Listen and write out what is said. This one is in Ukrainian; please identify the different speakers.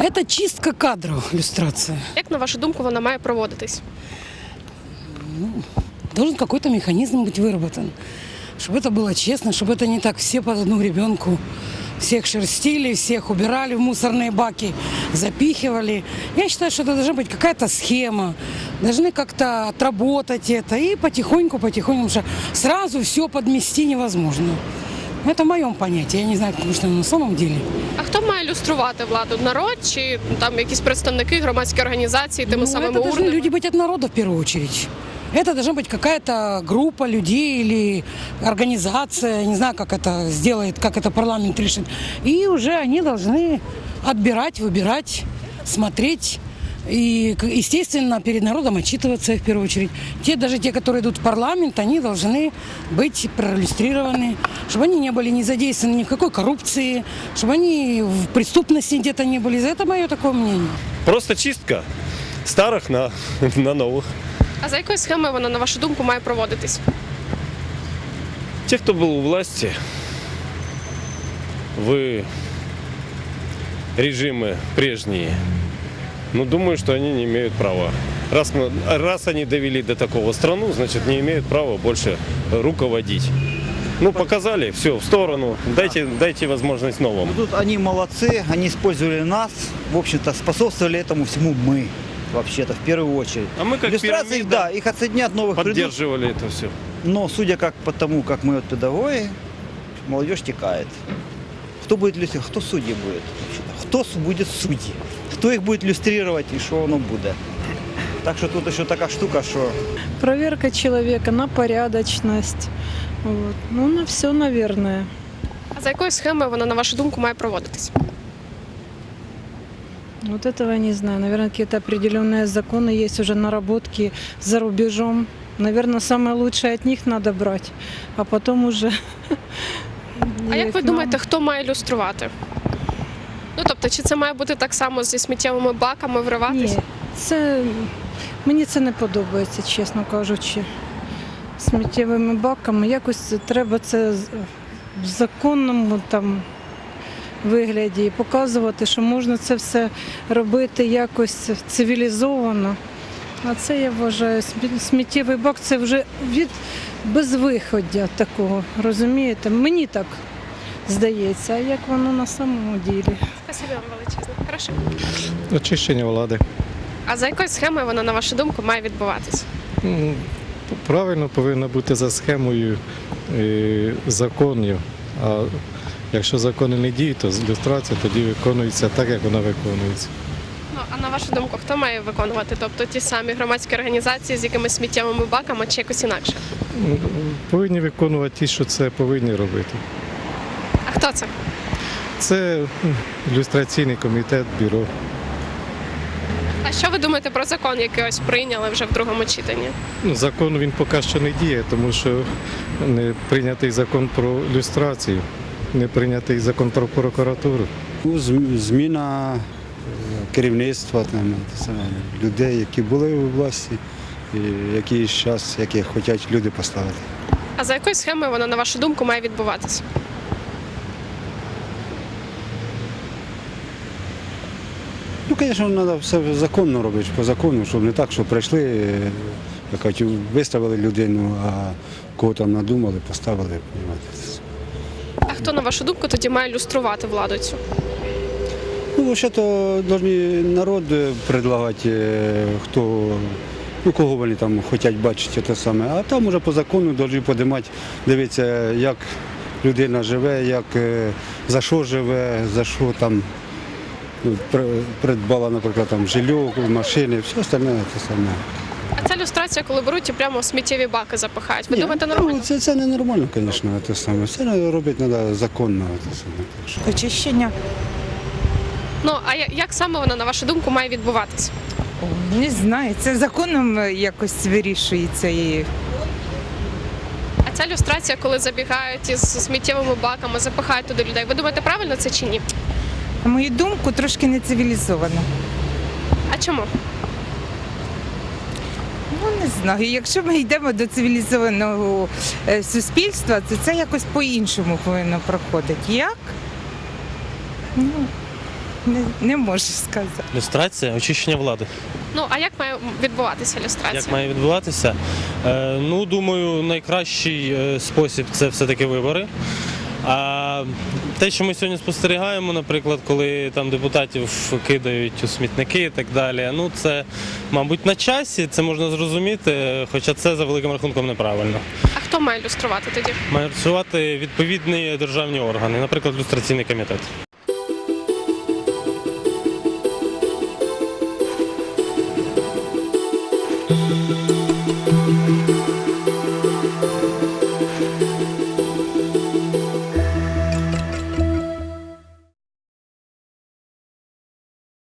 Speaker 1: Это чистка кадров, люстрация.
Speaker 2: Як, на вашу думку, вона має проводитись?
Speaker 1: Должен какой-то механизм быть выработан, чтобы это было честно, чтобы это не так все под одну гребенку. Всех шерстили, всех убирали в мусорные баки, запихивали. Я считаю, что это должна быть какая-то схема. Должны как-то отработать это и потихоньку, потому что сразу все подмести невозможно. Это в моем понятии. Я не знаю, потому что на самом деле.
Speaker 2: А хто має люструвати владу? Народ чи там якісь представники, громадські організації, тими самими
Speaker 1: Это должны
Speaker 2: урнами?
Speaker 1: люди быть от народа в первую очередь. Это должна быть какая-то группа людей или организация, не знаю, как это сделает, как это парламент решит. И уже они должны отбирать, выбирать, смотреть. И, естественно, перед народом отчитываться в первую очередь. Даже те, которые идут в парламент, они должны быть проиллюстрированы, чтобы они не были не задействованы ни в какой коррупции, чтобы они в преступности где-то не были. Это мое такое мнение.
Speaker 3: Просто чистка старых на новых.
Speaker 2: А за якою схемою вона, на вашу думку, має проводитись?
Speaker 3: Те, кто был у власти в режимы прежние, думаю, что они не имеют права. Раз они довели до такого страну, значит, не имеют права больше руководить. Показали, все, в сторону, дайте возможность новым.
Speaker 4: Тут они молодцы, они использовали нас, в общем-то, способствовали этому всему мы, вообще-то, в первую очередь.
Speaker 3: А мы как
Speaker 4: Иллюстрации,
Speaker 3: пирамида
Speaker 4: да, их отсоединят, новых придут.
Speaker 3: поддерживали это все.
Speaker 4: Но судя по тому, как мы педагоги, молодежь текает. Кто будет иллюстрировать? Кто судьи будет? Кто будет судьи? Кто их будет иллюстрировать и что оно будет? Так что тут еще такая штука, что...
Speaker 5: Проверка человека на порядочность. Вот. На все, наверное.
Speaker 2: А за якою схемою вона, на вашу думку, має проводитись?
Speaker 5: Вот этого я не знаю. Наверное, какие-то определенные законы есть уже, наработки за рубежом. Наверное, самое лучшее от них надо брать, а потом уже...
Speaker 2: А як ви думаєте, хто має люструвати? Тобто, чи це має бути так само зі сміттєвими баками вриватись?
Speaker 5: Ні, мені це не подобається, чесно кажучи. Сміттєвими баками якось треба це в законному вигляді і показувати, що можна це все робити якось цивілізовано. А це, я вважаю, сміттєвий бак – це вже від безвиходя такого, розумієте? Мені так здається, а як воно на самому ділі?
Speaker 2: Спасибо вам величезне. Хорошо.
Speaker 6: Очищення влади.
Speaker 2: А за якою схемою вона, на вашу думку, має відбуватись?
Speaker 6: Правильно повинно бути за схемою законів. А якщо закони не діють, то люстрація тоді виконується так, як вона виконується.
Speaker 2: А на вашу думку, хто має виконувати? Тобто ті самі громадські організації з якимись сміттєвими баками чи якось інакше?
Speaker 6: Повинні виконувати ті, що це повинні робити.
Speaker 2: А хто це?
Speaker 6: Це люстраційний комітет, бюро.
Speaker 2: А що ви думаєте про закон, який ось прийняли вже в другому читанні?
Speaker 6: Закон він поки що не діє, тому що не прийнятий закон про люстрацію, не прийнятий закон про прокуратуру.
Speaker 7: Зміна керівництва, людей, які були у власті, і які хочуть люди поставити.
Speaker 2: А за якою схемою вона, на вашу думку, має відбуватися?
Speaker 7: Звісно, треба все законно робити, по закону, щоб не так, що прийшли, виставили людину, а кого там надумали, поставили.
Speaker 2: А хто, на вашу думку, тоді має люструвати владу цю?
Speaker 7: Взагалі-то повинен народ предлагати, кого вони там хочуть бачити те саме. А там уже по закону повинні підіймати, дивитися, як людина живе, за що живе, за що там придбала, наприклад, жилье, машини, все остальне те саме.
Speaker 2: А це люстрація, коли беруть і прямо в сміттєві баки запихають. Ви думаєте, нормально?
Speaker 7: Це не нормально, звісно, те саме. Все робити треба законно.
Speaker 8: Очищення.
Speaker 2: А як саме вона, на вашу думку, має відбуватися?
Speaker 8: Не знаю, це законом якось вирішується.
Speaker 2: А ця люстрація, коли забігають із сміттєвими баками, запихають туди людей. Ви думаєте, правильно це чи ні?
Speaker 8: На мою думку, трошки не цивілізовано.
Speaker 2: А чому?
Speaker 8: Не знаю. Якщо ми йдемо до цивілізованого суспільства, то це якось по-іншому повинно проходити. Як? не можу сказати.
Speaker 9: Люстрація, очищення влади.
Speaker 2: Ну а як має відбуватися люстрація?
Speaker 9: Як має відбуватися? Ну, думаю, найкращий спосіб це все-таки вибори. А те, що ми сьогодні спостерігаємо, наприклад, коли там депутатів кидають у смітники і так далі, ну це, мабуть, на часі, це можна зрозуміти, хоча це за великим рахунком неправильно.
Speaker 2: А хто має люструвати тоді?
Speaker 9: Мають працювати відповідні державні органи, наприклад, люстраційний комітет.